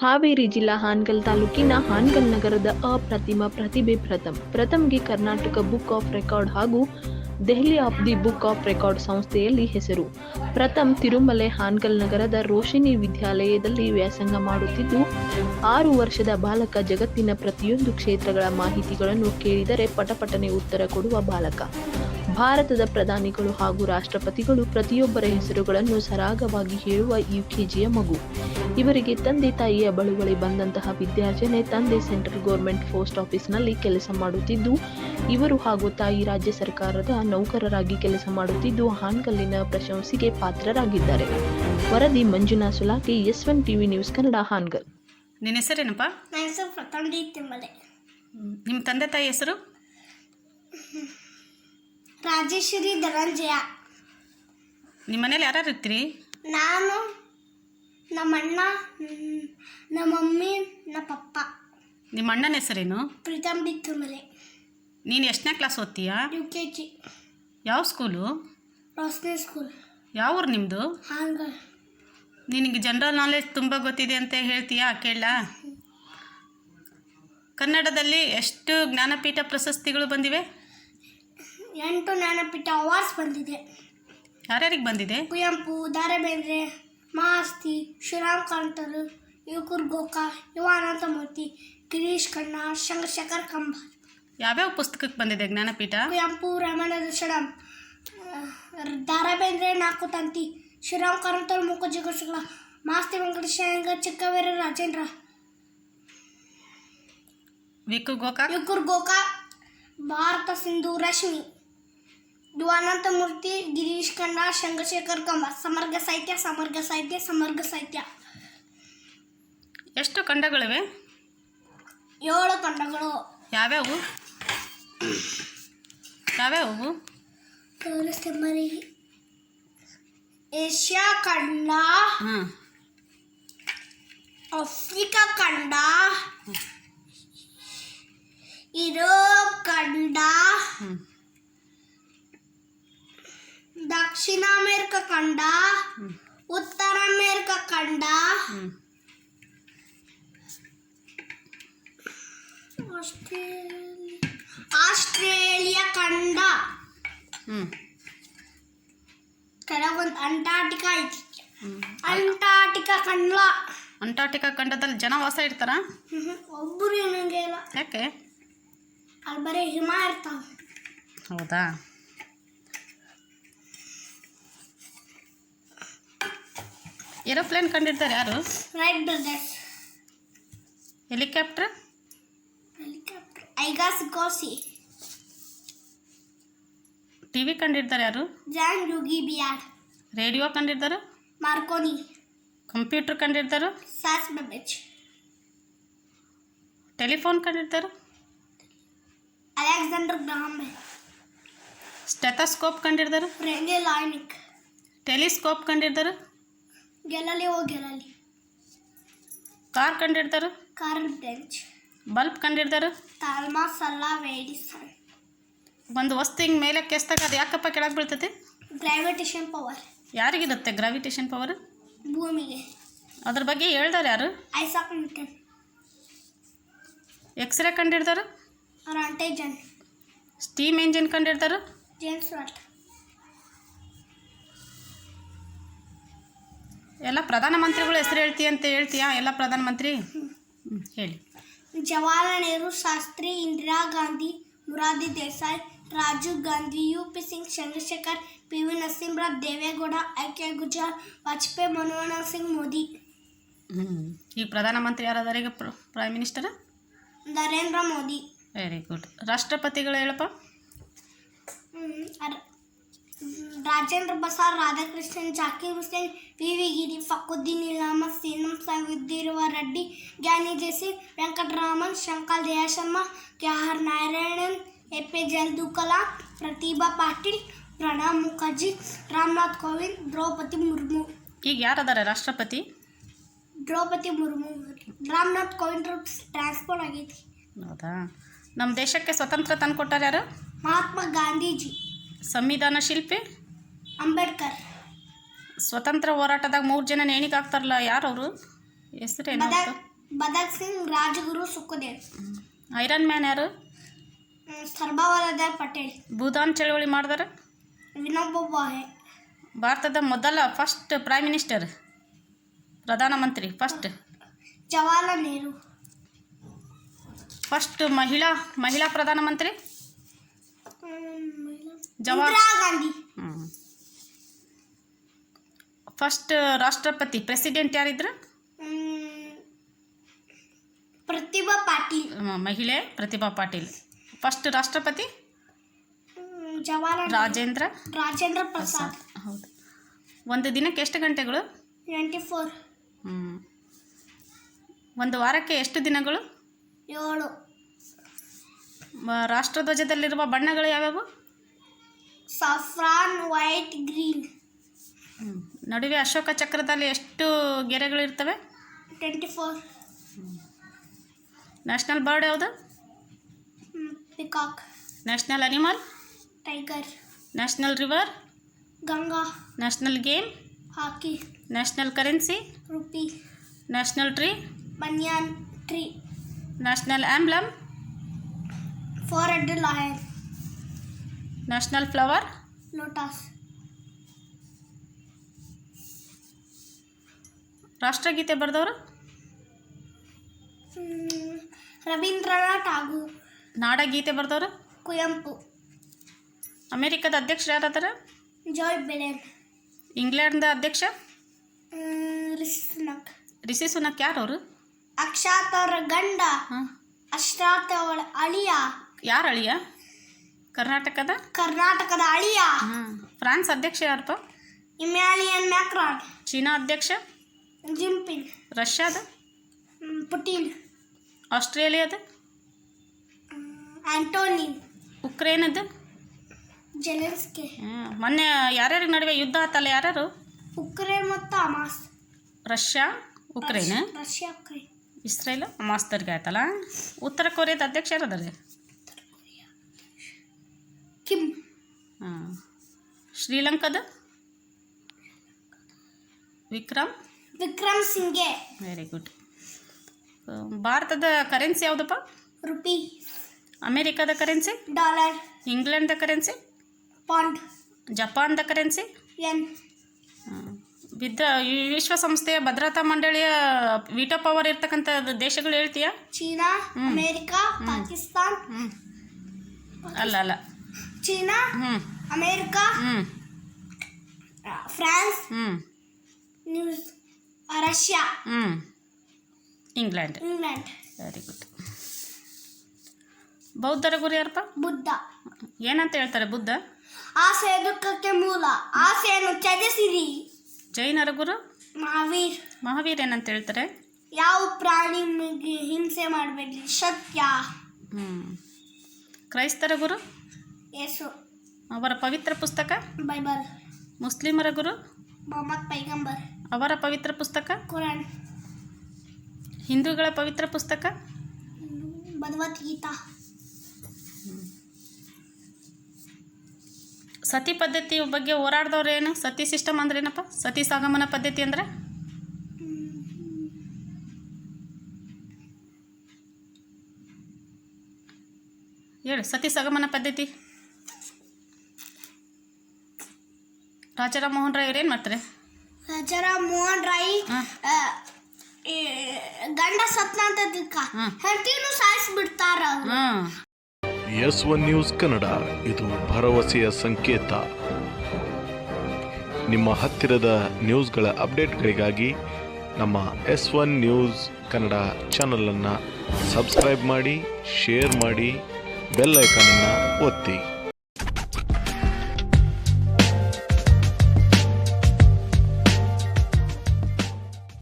ಹಾವೇರಿ ಜಿಲ್ಲಾ ಹಾನಗಲ್ ತಾಲೂಕಿನ ಹಾನಗಲ್ ನಗರದ ಅಪ್ರತಿಮ ಪ್ರತಿಭೆ ಪ್ರಥಮ್ಗೆ ಕರ್ನಾಟಕ ಬುಕ್ ಆಫ್ ರೆಕಾರ್ಡ್ ಹಾಗೂ Delhi of the book of record ಸಂಸ್ಥೆಯಲ್ಲಿ ಹೆಸರು. ಪ್ರಥಮ್ ತಿರುಮಲೆ ಹಾನಗಲ್ ನಗರದ ರೋಶಿನಿ ವಿದ್ಯಾಲಯದಲ್ಲಿ ವ್ಯಾಸಂಗ ಮಾಡುತ್ತಿದ್ದು, 6 ವರ್ಷದ ಬಾಲಕ. ಜಗತ್ತಿನ ಪ್ರತಿಯೊಂದು ಕ್ಷೇತ್ರಗಳ ಮಾಹಿತಿಗಳನ್ನು ಕೇಳಿದರೆ ಪಟಪಟನೆ ಉತ್ತರ ಕೊಡುವ ಬಾಲಕ. ಭಾರತದ ಪ್ರಧಾನಿಗಳು ಹಾಗೂ ರಾಷ್ಟ್ರಪತಿಗಳು ಪ್ರತಿಯೊಬ್ಬರ ಹೆಸರುಗಳನ್ನು ಸರಾಗವಾಗಿ ಹೇಳುವ ಯುಕೆಜಿಯ ಮಗು. ಇವರಿಗೆ ತಂದೆ ತಾಯಿಯ ಬಳುವಳಿ ಬಂದಂತಹ ವಿದ್ಯಾರ್ಜನೆ. ತಂದೆ ಸೆಂಟ್ರಲ್ ಗೌರ್ಮೆಂಟ್ ಪೋಸ್ಟ್ ಆಫೀಸ್ನಲ್ಲಿ ಕೆಲಸ ಮಾಡುತ್ತಿದ್ದು, ಇವರು ಹಾಗೂ ತಾಯಿ ರಾಜ್ಯ ಸರ್ಕಾರದ ನೌಕರರಾಗಿ ಕೆಲಸ ಮಾಡುತ್ತಿದ್ದು, ಹಾನಗಲ್ಲಿನ ಪ್ರಶಂಸೆಗೆ ಪಾತ್ರರಾಗಿದ್ದಾರೆ. ವರದಿ Manjunath Sulaki, S1 TV news Kannada, Hangal. ನಿನ್ನ ಹೆಸರೇನಪ್ಪ? ನನ್ನ ಹೆಸರು ಪ್ರಥಮ್ ಡಿ ತಿಮ್ಮಲೆ. ನಿಮ್ಮ ತಂದೆ ತಾಯಿ ಹೆಸರು? ರಾಜೇಶ್ವರಿ ಧನಂಜಯ. ನಿಮ್ಮ ಮನೇಲಿ ಯಾರ್ಯಾರು ಇರ್ತೀರಿ? ನಾನು, ನಮ್ಮ ಅಣ್ಣ, ನಮ್ಮ ಮಮ್ಮಿ, ನಮ್ಮ ಪಪ್ಪ. ನಿಮ್ಮ ಅಣ್ಣನ ಹೆಸರೇನು? ಪ್ರೀತಮ್ ಡಿ ತಿಮ್ಮಲೆ. ನೀನು ಎಷ್ಟನೇ ಕ್ಲಾಸ್ ಓದ್ತೀಯಾ? UKG. ಯಾವ ಸ್ಕೂಲು? ರೋಸ್ನೆ ಸ್ಕೂಲ್. ಯಾವ ಊರು ನಿಮ್ಮದು? ಹಾನಗಲ್. ನಿನಗೆ ಜನರಲ್ ನಾಲೆಜ್ ತುಂಬ ಗೊತ್ತಿದೆ ಅಂತ ಹೇಳ್ತೀಯಾ? ಕೇಳ. ಕನ್ನಡದಲ್ಲಿ ಎಷ್ಟು ಜ್ಞಾನಪೀಠ ಪ್ರಶಸ್ತಿಗಳು ಬಂದಿವೆ? 8 ಜ್ಞಾನಪೀಠ ಅವಾರ್ಡ್ಸ್ ಬಂದಿದೆ. ಯಾರ್ಯಾರಿಗೆ ಬಂದಿದೆ? ಕುವೆಂಪು, ದ ರಾ ಬೇಂದ್ರೆ, ಮಾಸ್ತಿ, ಶ್ರೀರಾಮ್ ಕಾರಂತರು, ಯುಕುರ್ ಗೋಕಾ, ಯುವ ಅನಂತಮೂರ್ತಿ, ಗಿರೀಶ್ ಕರ್ನಾಡ್, ಚಂದ್ರಶೇಖರ್ ಕಂಬಾರ್. ಯಾವ್ಯಾವ ಪುಸ್ತಕಕ್ಕೆ ಬಂದಿದೆ ಜ್ಞಾನಪೀಠ? ಕುವೆಂಪು ರಾಮಾಯಣ ದರ್ಶನಂ, ದ ರಾ ಬೇಂದ್ರೆ ನಾಲ್ಕು ತಂತಿ, ಶ್ರೀರಾಮ್ ಕಾರಂತರು ಮೂಕಜ್ಜಿ ಗೋಶಗಳ, ಮಾಸ್ತಿ ವೆಂಕಟೇಶ ಅಯ್ಯಂಗಾರ್, ಚಿಕ್ಕವೀರ ರಾಜೇಂದ್ರ, ಯುಕುರ್ ಗೋಕಾ, ಭಾರತ ಸಿಂಧು ರಶ್ಮಿ, ಯುವ ಅನಂತಮೂರ್ತಿ, ಗಿರೀಶ್ ಕರ್ನಾಡ್, ಚಂದ್ರಶೇಖರ್ ಕಂಬಾರ್. ಸಮಗ್ರ ಸಾಹಿತ್ಯ. ಎಷ್ಟು ಖಂಡಗಳಿವೆ? 7 ಖಂಡಗಳು. ಯಾವ್ಯಾವು? ತೋರಿಸ್ತೆಮ್ಮರಿ. ಏಷ್ಯಾ ಖಂಡ, ಆಫ್ರಿಕಾ ಖಂಡ, ಯುರೋಪ್ ಖಂಡ, ದಕ್ಷಿಣ ಅಮೆರಿಕ ಖಂಡ, ಉತ್ತರ ಅಮೆರಿಕ ಖಂಡ, ಆಸ್ಟ್ರೇಲಿಯಾ ಖಂಡ, ಕೆಲವೊಂದು ಅಂಟಾರ್ಟಿಕಾ ಐತಿ. ಅಂಟಾರ್ಟಿಕಾ ಖಂಡದಲ್ಲಿ ಜನ ವಾಸ ಇರ್ತಾರ? ಒಬ್ಬರು ಏನಂಗೆ ಇಲ್ಲ. ಯಾಕೆ? ಅಲ್ಲಿ ಬರೀ ಹಿಮ ಇರ್ತಾವ. ಹೌದಾ? ಏರೋಪ್ಲೇನ್ ಕಂಡಿರ್ತಾರೆ ಯಾರು? Wright brothers. ಹೆಲಿಕಾಪ್ಟರ್ ಐಗಾಸಿಕೋಸಿ. ಟಿವಿ ಕಂಡಿರ್ತಾರೆ ಯಾರು? ಜಾನ್ ಯೂಗಿ ಬಿಯಾರ್. ರೇಡಿಯೋ ಕಂಡಿರ್ತಾರೆ? ಮಾರ್ಕೋನಿ. ಕಂಪ್ಯೂಟರ್ ಕಂಡಿರ್ತಾರೆ? ಸಾಸ್ ಬೆಬೇಜ್. ಟೆಲಿಫೋನ್ ಕಂಡಿರ್ತಾರೆ? Alexander Graham Bell. ಸ್ಟೆಥೋಸ್ಕೋಪ್ ಕಂಡಿರ್ತಾರೆ? Rene Laennec. ಟೆಲಿಸ್ಕೋಪ್ ಕಂಡಿರ್ತಾರೆ? Galileo Galilei. ಕಾರ್ ಕಂಡಿರ್ತಾರೆ? Karl Benz. ಬಲ್ಬ್ ಕಂಡಿರ್ತಾರೆ? Thomas Alva Edison. ಒಂದು ವಸ್ತು ಹಿಂಗೆ ಮೇಲೆ ಕೆಸ್ದಾಗ ಅದು ಯಾಕಪ್ಪ ಕೆಳಗೆ ಬೀಳ್ತೈತಿ? Gravitation power. ಯಾರಿಗಿರುತ್ತೆ ಗ್ರಾವಿಟೇಷನ್ ಪವರ್? ಭೂಮಿಗೆ. ಅದ್ರ ಬಗ್ಗೆ ಹೇಳ್ತಾರೆ ಯಾರು? Isaac Newton. ಎಕ್ಸ್ರೇ ಕಂಡಿರ್ತಾರೆ? Roentgen. Steam engine ಕಂಡಿರ್ತಾರೆ? James Watt. ಎಲ್ಲ ಪ್ರಧಾನಮಂತ್ರಿಗಳು ಹೆಸರು ಹೇಳ್ತೀಯಾ? ಎಲ್ಲ ಪ್ರಧಾನಮಂತ್ರಿ ಹೇಳಿ. Jawaharlal Nehru, Shastri, Indira Gandhi, Morarji Desai, Rajiv Gandhi, UP Singh, Chandrashekhar, PV Narasimha Rao, Deve Gowda, I.K. Gujral, Vajpayee, Manmohan Singh, Modi. ಈಗ ಪ್ರಧಾನಮಂತ್ರಿ ಯಾರಾದಾರ? ಈಗ prime minister Narendra Modi. Very good. ರಾಷ್ಟ್ರಪತಿಗಳು ಹೇಳಪ್ಪ. ರಾಜೇಂದ್ರ ಪ್ರಸಾದ್, ರಾಧಾಕೃಷ್ಣನ್, ಜಾಕೀರ್ ಹುಸೇನ್, VV ಗಿರಿ, ಫಕುದ್ದೀನ್ ಅಹಮದ್, ಸೀನಂ ಸೈಫುದ್ದೀನ್ ರೆಡ್ಡಿ, ಜ್ಞಾನಿ ಜೆಸಿ, ವೆಂಕಟರಾಮನ್, ಶಂಕರ್ ದಯಾಶರ್ಮ, KR ನಾರಾಯಣನ್, APJ ಅಬ್ದುಲ್ ಕಲಾಂ, ಪ್ರತಿಭಾ ಪಾಟೀಲ್, ಪ್ರಣಬ್ ಮುಖರ್ಜಿ, ರಾಮನಾಥ್ ಕೋವಿಂದ್, ದ್ರೌಪದಿ ಮುರ್ಮು. ಈಗ ಯಾರದಾರ ರಾಷ್ಟ್ರಪತಿ? ದ್ರೌಪದಿ ಮುರ್ಮು. ರಾಮನಾಥ್ ಕೋವಿಂದ್ ಟ್ರಾನ್ಸ್ಫರ್ ಆಗೈತಿ. ಹೌದಾ? ನಮ್ಮ ದೇಶಕ್ಕೆ ಸ್ವತಂತ್ರ ತಂದು ಕೊಟ್ಟಾರ ಯಾರು? ಮಹಾತ್ಮ ಗಾಂಧೀಜಿ. ಸಂವಿಧಾನ ಶಿಲ್ಪಿ? ಅಂಬೇಡ್ಕರ್. ಸ್ವತಂತ್ರ ಹೋರಾಟದಾಗ 3 ಜನ ನೇಣಿಗೆ ಹಾಕ್ತಾರಲ್ಲ, ಯಾರವರು? ಹೆಸರೇನು? ಭಗತ್ ಸಿಂಗ್, ರಾಜಗುರು, ಸುಖದೇವ್. ಐರನ್ ಮ್ಯಾನ್ ಯಾರು? ಸರ್ದಾರ್ ವಲ್ಲಭಾಯ್ ಪಟೇಲ್. ಭೂದಾನ್ ಚಳವಳಿ ಮಾಡಿದಾರೆ? ವಿನೋಬಾ ಭಾವೆ. ಭಾರತದ ಮೊದಲ ಫಸ್ಟ್ ಪ್ರೈಮ್ ಮಿನಿಸ್ಟರ್, ಪ್ರಧಾನಮಂತ್ರಿ ಫಸ್ಟ್? ಜವಾಹರ್ಲಾಲ್ ನೆಹರು. ಫಸ್ಟ್ ಮಹಿಳಾ ಪ್ರಧಾನಮಂತ್ರಿ? ಇಂದಿರಾ ಗಾಂಧಿ. ಫಸ್ಟ್ ರಾಷ್ಟ್ರಪತಿ ಪ್ರೆಸಿಡೆಂಟ್ ಯಾರಿದ್ರು? ಪ್ರತಿಭಾ ಪಾಟೀಲ್. ಮಹಿಳೆ ಪ್ರತಿಭಾ ಪಾಟೀಲ್. ಫಸ್ಟ್ ರಾಷ್ಟ್ರಪತಿ? ಜವಾಹರ್ಲಾಲ್ ರಾಜೇಂದ್ರ ಪ್ರಸಾದ್. ಹೌದು. ಒಂದು ದಿನಕ್ಕೆ ಎಷ್ಟು ಗಂಟೆಗಳು? 24. ಒಂದು ವಾರಕ್ಕೆ ಎಷ್ಟು ದಿನಗಳು? 7. ರಾಷ್ಟ್ರಧ್ವಜದಲ್ಲಿರುವ ಬಣ್ಣಗಳು ಯಾವ್ಯಾವು? Saffron, white, green. ನಡುವೆ ಅಶೋಕ ಚಕ್ರದಲ್ಲಿ ಎಷ್ಟು ಗೆರೆಗಳಿರ್ತವೆ? 24. ನ್ಯಾಷನಲ್ ಬರ್ಡ್ ಯಾವುದು? Peacock. National animal? Tiger. National river? Ganga. National game? Hockey. National currency? Rupee. National tree? Banyan tree. National emblem? 4-headed lion. National flower? Lotus. ರಾಷ್ಟ್ರಗೀತೆ ಬರೆದವರು? ರವೀಂದ್ರನಾಥ್ ಠಾಗೂರ್. ನಾಡಗೀತೆ ಬರೆದವರು? ಕುವೆಂಪು. ಅಮೇರಿಕದ ಅಧ್ಯಕ್ಷರು ಯಾರಾದಾರ? Joe Biden. ಇಂಗ್ಲೆಂಡ್ದ ಅಧ್ಯಕ್ಷ? ರಿಷಿ ಸುನಕ್. ಯಾರು ಅವರು? ಅಕ್ಷಾತ್ ಅವರ ಗಂಡ. ಅಶ್ರಾತ್ ಅವಳ ಅಳಿಯ. ಯಾರು ಅಳಿಯ? ಕರ್ನಾಟಕದ ಅಳಿಯ. ಫ್ರಾನ್ಸ್ ಅಧ್ಯಕ್ಷ ಯಾರಪ್ಪ? Emmanuel Macron. ಚೀನಾ ಅಧ್ಯಕ್ಷ? ಜಿನ್ಪಿಂಗ್. ರಷ್ಯಾದ? ಪುಟಿನ್. ಆಸ್ಟ್ರೇಲಿಯಾದ? ಆಂಟೋನಿ. ಉಕ್ರೇನದ? ಜೆಲೆನ್ಸ್ಕಿ. ಮೊನ್ನೆ ಯಾರ್ಯಾರ ನಡುವೆ ಯುದ್ಧ ಆತಲ್ಲ, ಯಾರು? ಉಕ್ರೇನ್ ಮತ್ತು Hamas. Russia Ukraine? Russia Ukraine. Israel ಹಮಾಸ್ದವ್ರಿಗೆ ಆಯ್ತಲ್ಲ. ಉತ್ತರ ಕೊರಿಯಾದ ಅಧ್ಯಕ್ಷ ಯಾರದಾರೆ? ಕಿಮ್. ಶ್ರೀಲಂಕಾದ? ವಿಕ್ರಮ್ ಸಿಂಘೆ. Very good. ಭಾರತದ ಕರೆನ್ಸಿ ಯಾವುದಪ್ಪ? ರುಪಿ. ಅಮೇರಿಕಾದ ಕರೆನ್ಸಿ? ಡಾಲರ್. ಇಂಗ್ಲೆಂಡ್ದ ಕರೆನ್ಸಿ? ಪೌಂಡ್. ಜಪಾನ್ದ ಕರೆನ್ಸಿ? ಯೆನ್. ವಿಶ್ವಸಂಸ್ಥೆಯ ಭದ್ರತಾ ಮಂಡಳಿಯ ವಿಟೋ ಪವರ್ ಇರ್ತಕ್ಕಂಥ ದೇಶಗಳು ಹೇಳ್ತೀಯಾ? China, America, Pakistan. ಅಲ್ಲ China, America, France, Russia, England. Very good. ಬೌದ್ಧರ ಗುರು ಯಾರಪ್ಪ? ಬುದ್ಧ. ಏನಂತ ಹೇಳ್ತಾರೆ ಬುದ್ಧ? ಆಸೆ ದುಃಖಕ್ಕೆ ಮೂಲ, ಆಸೆಯನ್ನು ತ್ಯಜಿಸಿರಿ. ಜೈನರ ಗುರು? ಮಹಾವೀರ್ ಏನಂತ ಹೇಳ್ತಾರೆ? ಯಾವ ಪ್ರಾಣಿಗೆ ಹಿಂಸೆ ಮಾಡಬೇಡಿ, ಸತ್ಯ. ಕ್ರೈಸ್ತರ ಗುರು? ಯೇಸು. ಅವರ ಪವಿತ್ರ ಪುಸ್ತಕ? ಬೈಬಲ್. ಮುಸ್ಲಿಮರ ಗುರು? ಮೊಹಮ್ಮದ್ ಪೈಗಂಬರ್. ಅವರ ಪವಿತ್ರ ಪುಸ್ತಕ? ಕುರಾನ್. ಹಿಂದೂಗಳ ಪವಿತ್ರ ಪುಸ್ತಕ? ಭಗವದ್ಗೀತಾ. ಸತಿ ಪದ್ಧತಿ ಬಗ್ಗೆ ಹೋರಾಡಿದವ್ರು ಏನು? ಸತಿ ಸಿಸ್ಟಮ್ ಅಂದ್ರೆ ಏನಪ್ಪ? ಸತಿ ಸಾಗಮನ ಪದ್ಧತಿ ಅಂದ್ರೆ ಹೇಳು. ಸತಿ ಸಾಗಮನ ಪದ್ಧತಿ ರಾಜಾರಾಮ್ ಮೋಹನ್ ರಾಯ್ ಅವ್ರು ಏನು ಮಾಡ್ತಾರೆ? ರಾಜಾರಾಮ್ ಮೋಹನ್ ರಾಯ್ ಗಂಡ ಸತ್ನ ಅಂತ ಹೆಂಡತಿನೂ ಸಾಯಿಸ್ಬಿಡ್ತಾರ. S1 ನ್ಯೂಸ್ ಕನ್ನಡ, ಇದು ಭರವಸೆಯ ಸಂಕೇತ. ನಿಮ್ಮ ಹತ್ತಿರದ ನ್ಯೂಸ್ಗಳ ಅಪ್ಡೇಟ್ಗಳಿಗಾಗಿ ನಮ್ಮ S1 ನ್ಯೂಸ್ ಕನ್ನಡ ಚಾನಲನ್ನು ಸಬ್ಸ್ಕ್ರೈಬ್ ಮಾಡಿ, ಶೇರ್ ಮಾಡಿ, ಬೆಲ್ ಐಕಾನನ್ನು ಒತ್ತಿ.